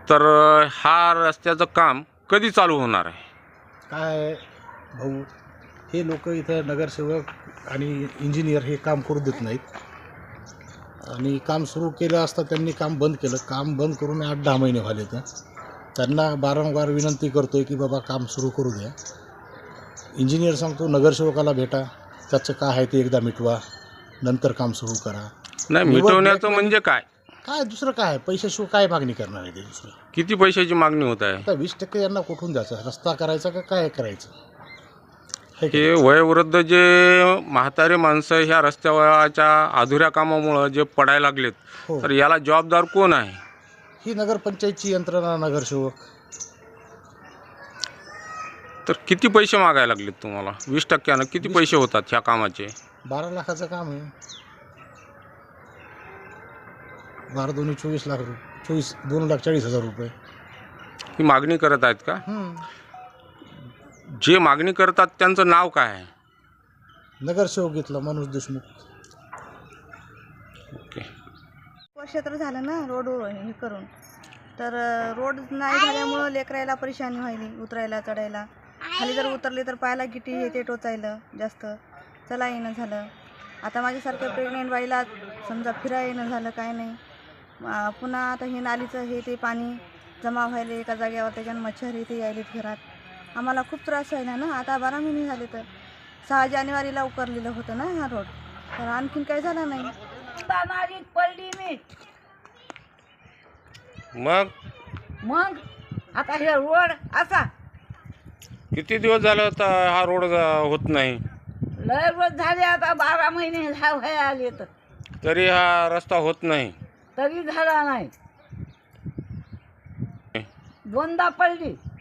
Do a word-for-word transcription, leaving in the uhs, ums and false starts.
तर हा रस्त्याचं काम कधी चालू होणार आहे? काय भाऊ, हे लोक इथं नगरसेवक आणि इंजिनियर हे काम करू देत नाहीत आणि काम सुरू केलं असता त्यांनी काम बंद केलं. काम बंद करून आठ दहा महिने झाले. तर त्यांना वारंवार विनंती करतो आहे की बाबा काम सुरू करू द्या. इंजिनियर सांगतो नगरसेवकाला भेटा, त्याचं काय आहे ते एकदा मिटवा, नंतर काम सुरू करा. नाही, मिटवण्याचं म्हणजे काय? काय दुसरं काय, पैशाशिवाय काय मागणी करणार आहे ते दुसरं? किती पैशाची मागणी होत आहे? आता वीस टक्के यांना कुठून द्यायचं? रस्ता करायचा का काय करायचं? हे वयोवृद्ध जे म्हातारे माणसं ह्या रस्त्याच्या अधुऱ्या कामामुळं जे पडायला लागलेत, हो. तर याला जबाबदार कोण आहे? ही नगरपंचायतची यंत्रणा, नगरसेवक. तर किती पैसे मागायला लागलेत तुम्हाला? वीस टक्क्यानं किती पैसे होतात ह्या कामाचे? बारा लाखाचं काम आहे. बारा दोन्ही चोवीस लाख रुपये, चोवीस दोन लाख चाळीस हजार रुपये ही मागणी करत आहेत का? हम्म. जे मागणी करतात त्यांचं नाव काय आहे? नगरसेवक घेतला माणूस देशमुख. ओके. वर्ष तर झालं ना रोड हे करून, तर रोड नाही झाल्यामुळं लेकरायला परेशानी व्हायली, उतरायला चढायला. खाली जर उतरले तर पायाला गिटी हे ते टोचायलं, जास्त चला येणं झालं. आता माझ्यासारखं प्रेग्नेंट बाईला समजा फिरा येणं झालं, काय नाही. पुन्हा आता हे नालीचं हे ते पाणी जमा व्हायले एका जागेवर, त्याच्यानं मच्छर हे ते यायलेत घरात. आम्हाला खूप त्रास व्हायला ना. आता बारा महिने झाले. तर सहा जानेवारीला उकरलेलं होतं ना हा रोड, तर आणखीन काही झालं नाही. पडली मी मग मग आता हे रोड असा किती दिवस झालं तर हा रोड होत नाही, लय रोज झाले. आता बारा महिने झा- व्हाय आले तर तरी हा रस्ता होत नाही. तरी झाला नाही. दोनदा पडली.